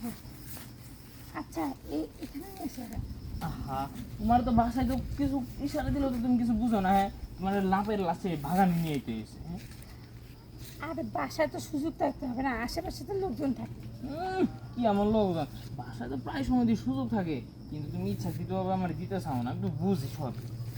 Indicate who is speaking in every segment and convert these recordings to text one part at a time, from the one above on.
Speaker 1: আচ্ছা এখানে এসে
Speaker 2: আহা, তোমার তো বাসায় তো কিছু ইশারা দিলেও তো তুমি কিছু বুঝো না। হ্যাঁ, তোমার লাভের লাশে ভাগান নিয়ে যেতে এসে। হ্যাঁ,
Speaker 1: আরে বাসায় তো সুযোগ থাকতে হবে না, আশেপাশে তো লোকজন থাকে।
Speaker 2: কি আমার লোকজন বাসায় তো প্রায় সময় দিয়ে সুযোগ থাকে, কিন্তু তুমি ইচ্ছাকৃতভাবে আমার দিতে চাও না। একটু বুঝি সব।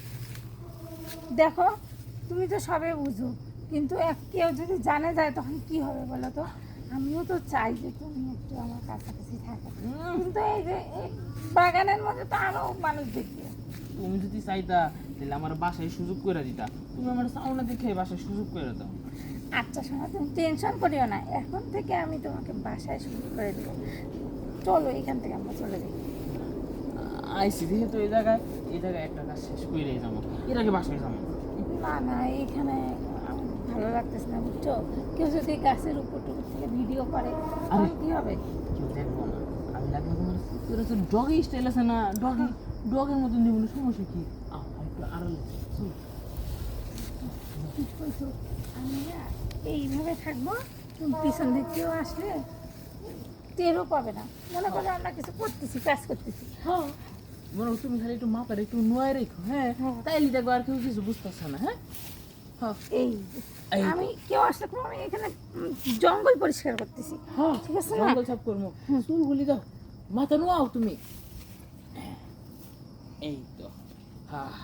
Speaker 1: দেখো তুমি তো সবে বুঝো, কিন্তু কেউ যদি জানে যায় তখন কি হবে বলো তো? আমিও তো চাই যে তুমি একটু আমার কাছাকাছি থাকো, কিন্তু এই যে এই বাগানের মধ্যে তো আরো মানুষ দেখবে।
Speaker 2: তুমি যদি চাইতা তাহলে আমার বাসায় সুযোগ করে দিতা। তুমি আমার চাও না দেখে বাসায় সুযোগ করে দাও।
Speaker 1: আচ্ছা শোনো, তুমি টেনশন করিও না, এখন থেকে আমি তোমাকে বাসায় সুযোগ করে দেবো। চলো এখান থেকে আমরা চলে যাই।
Speaker 2: আইসি যেহেতু এই জায়গায় একটা কাজ শেষ করেই যাবো, এর আগে বাসায় যাবো।
Speaker 1: না না, এখানে আমার ভালো লাগতেছে না বুঝছো। কেউ যদি গাছের উপর টুকুর থেকে ভিডিও করে তখন কি হবে?
Speaker 2: কেউ দেখবো না, আমি লাগবে তোমার ডগি স্টাইল আছে না, ডগের মতন দিব না, সমস্যা কি? একটু আড়ালে চলো।
Speaker 1: ঠিক বলছো, আমি না এইভাবে থাকবো, তুমি পিছন দিক কেউ আসলে টেরও পাবে না, মনে করো আমরা কিছু করতেছি, কাজ করতেছি।
Speaker 2: হ্যাঁ, মনে হয় তুমি খালি একটু মাথার একটু নোয়াই রেখো। হ্যাঁ, তাইলে দেখবো আর কেউ কিছু বুঝতেছে না। হ্যাঁ, হ্যাঁ,
Speaker 1: এই
Speaker 2: এই
Speaker 1: আমি কেউ আসলে কোনো, আমি এখানে জঙ্গল পরিষ্কার করতেছি।
Speaker 2: হ্যাঁ,
Speaker 1: ঠিক আছে না?
Speaker 2: জঙ্গল সাফ করবো। চুলগুলি দাও, মাথা নোয়াও তুমি। এই তো। হ্যাঁ,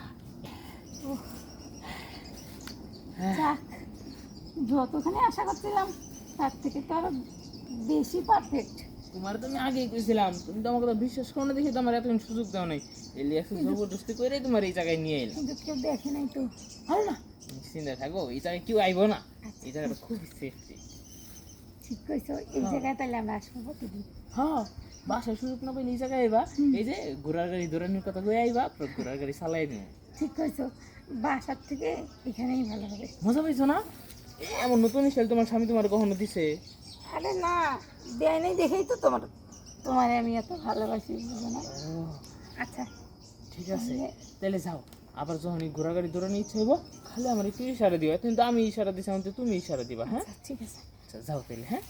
Speaker 1: যাক, যতখানি আশা করছিলাম তার থেকে তো আরো বেশি পারফেক্ট।
Speaker 2: তোমার তো আমি আগেই কইছিলাম, তুমি তো আমার কথা বিশ্বাস করো না দেখে তো আমার এতক্ষণ সুযোগ দাও নাই। এলি একটু জবরদস্তি করে তোমার এই জায়গায় নিয়ে এলাম।
Speaker 1: কিন্তু কেউ দেখে নাই তো।
Speaker 2: ভালো না, তুমি চিন্তা থাকো, এই জায়গায় কেউ আইবো না। এই জায়গাটা খুব সেফটি।
Speaker 1: ঠিক কইছো, এই জায়গায় তাহলে আমরা আসবো প্রতিদিন।
Speaker 2: হ্যাঁ, বাসায় সুযোগ না পাইলে এই জায়গায় আইবা। এই যে ঘোড়ার গাড়ি দৌড়ানোর কথা কয়ে আইবা, ঘোড়ার গাড়ি চালাই নিও।
Speaker 1: ঠিক কইছো, বাসার থেকে এখানেই ভালো হবে।
Speaker 2: মজা পাইছো না? এমন নতুন স্টাইল তোমার স্বামী তোমার কখনো দিছে?
Speaker 1: আরে না, দেয় নাই দেখেই তো তোমার আমি এত ভালোবাসি, বুঝো না? আচ্ছা
Speaker 2: ঠিক আছে, তাহলে যাও। আবার যখন এই ঘোড়া গাড়ি দৌড়ানোর ইচ্ছা হইব, খালি আমার একটু ইশারা দিবা। কিন্তু আমি ইশারা দিছি, আমাকে তুমি ইশারা দিবা। হ্যাঁ,
Speaker 1: আচ্ছা ঠিক আছে।
Speaker 2: আচ্ছা, যাও তাহলে। হ্যাঁ,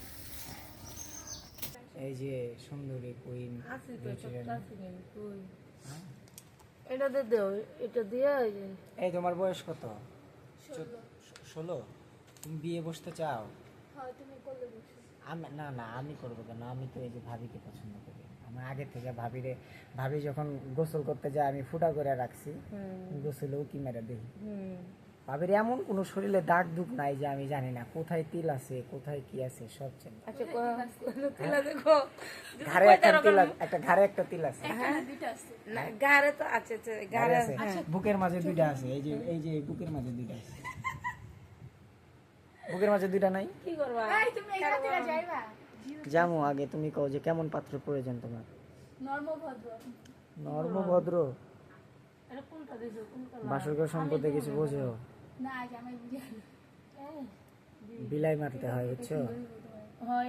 Speaker 3: এই যে সুন্দরী কুইন
Speaker 1: এটা দেও, এটা দিয়ে
Speaker 3: এই তোমার বয়স কত? 16? তুমি বিয়ে বসতে চাও? আমি না না, আমি করবো কেন? আমি তো এই যে ভাবিকে পছন্দ করি। আমার আগে থেকে ভাবি যখন গোসল করতে যায় আমি ফুটা করে রাখছি, গোসলেও কি মেরে দেখি। ভাবির এমন কোনো শরীরে দাগ দুগ নাই যে আমি জানি না কোথায় তিল আছে, কোথায় কি আছে, সব জানি। ঘাড়ে একটা তিল আছে।
Speaker 1: গাড়ে তো আছে,
Speaker 3: ঘাড়ে আছে, বুকের মাঝে দুইটা আছে। এই যে বুকের মাঝে দুইটা আছে। বুকের মাঝে দুইটা নাই?
Speaker 1: কি করবা?
Speaker 3: জামু, আগে তুমি কও যে কেমন পাত্র প্রয়োজন তোমার? নর্মভদ্র। বাসরঘর সম্পর্কে কিছু বোঝো? বিলাই মারতে হয়, বুঝছো?